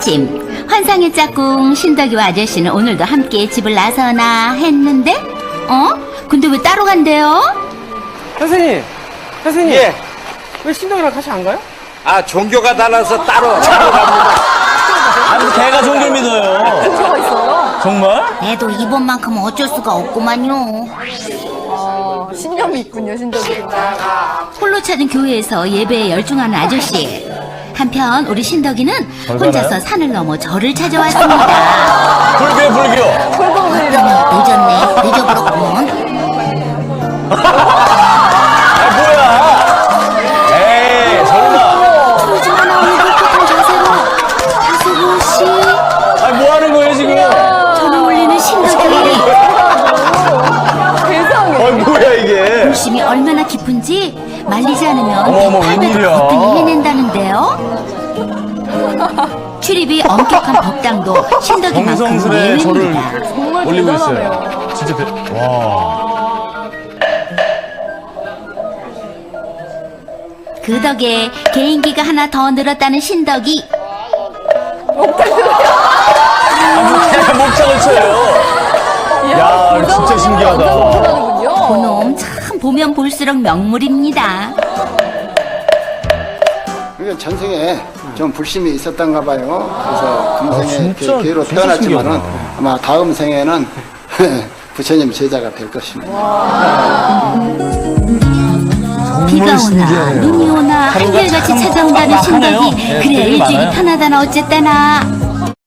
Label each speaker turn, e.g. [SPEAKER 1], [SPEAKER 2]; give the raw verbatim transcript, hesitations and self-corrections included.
[SPEAKER 1] 찜 환상의 짝꿍 신덕이와 아저씨는 오늘도 함께 집을 나서나 했는데 어? 근데 왜 따로 간대요?
[SPEAKER 2] 선생님, 선생님.
[SPEAKER 3] 예.
[SPEAKER 2] 왜 신동이랑 같이 안 가요?
[SPEAKER 3] 아, 종교가 달라서 따로, 따로 갑니다.
[SPEAKER 4] 아니, 걔가 종교를 믿어요.
[SPEAKER 5] 종교가 있어요?
[SPEAKER 4] 정말?
[SPEAKER 1] 애도 이번만큼은 어쩔 수가 없구만요.
[SPEAKER 5] 아, 신념이 있군요, 신덕이.
[SPEAKER 1] 홀로 찾은 교회에서 예배에 열중하는 아저씨. 한편 우리 신덕이는 혼자서 산을 넘어 절을 찾아왔습니다.
[SPEAKER 4] 불교야, 불교.
[SPEAKER 5] 불법이라.
[SPEAKER 1] 늦었네. 늦어버렸구먼.
[SPEAKER 4] 아, 뭐야? 에이, 설마.
[SPEAKER 1] 풀지마 나오는 깨끗한 자세로 하수구 씨
[SPEAKER 4] 아니, 뭐 하는 거예요, 지금?
[SPEAKER 1] 전을 올리는 신덕이.
[SPEAKER 5] 세상에.
[SPEAKER 4] 어, 뭐야, 이게?
[SPEAKER 1] 욕심이 얼마나 깊은지 말리지 않으면
[SPEAKER 4] 어머, 어머,
[SPEAKER 1] 팔 배도
[SPEAKER 4] 웬일이야.
[SPEAKER 1] 거뜬히 해낸다는데요. 출입이 엄격한 법당도 신덕이만큼
[SPEAKER 4] 정성스레 저를
[SPEAKER 1] 예외입니다.
[SPEAKER 5] 정말
[SPEAKER 4] 올리고
[SPEAKER 5] 대단하네요.
[SPEAKER 4] 있어요. 진짜 대, 와.
[SPEAKER 1] 그 덕에 개인기가 하나 더 늘었다는 신덕이.
[SPEAKER 4] 목장을 쳐요. 야, 이거 진짜 신기하다.
[SPEAKER 5] 하는군요.
[SPEAKER 1] 그놈 참 보면 볼수록 명물입니다.
[SPEAKER 6] 그러니까 전생에 좀 불심이 있었던가 봐요. 그래서 금생에
[SPEAKER 4] 아, 진짜,
[SPEAKER 6] 그 개로
[SPEAKER 4] 진짜
[SPEAKER 6] 태어났지만은
[SPEAKER 4] 신기하다.
[SPEAKER 6] 아마 다음 생에는 부처님 제자가 될 것입니다.
[SPEAKER 1] 비가 오나 눈이 오나 한결같이 찾아온다는
[SPEAKER 4] 빡빡하네요.
[SPEAKER 1] 신덕이.
[SPEAKER 4] 네,
[SPEAKER 1] 그래
[SPEAKER 4] 스케줄이
[SPEAKER 1] 일주일이
[SPEAKER 4] 많아요.
[SPEAKER 1] 편하다나 어쨌다나.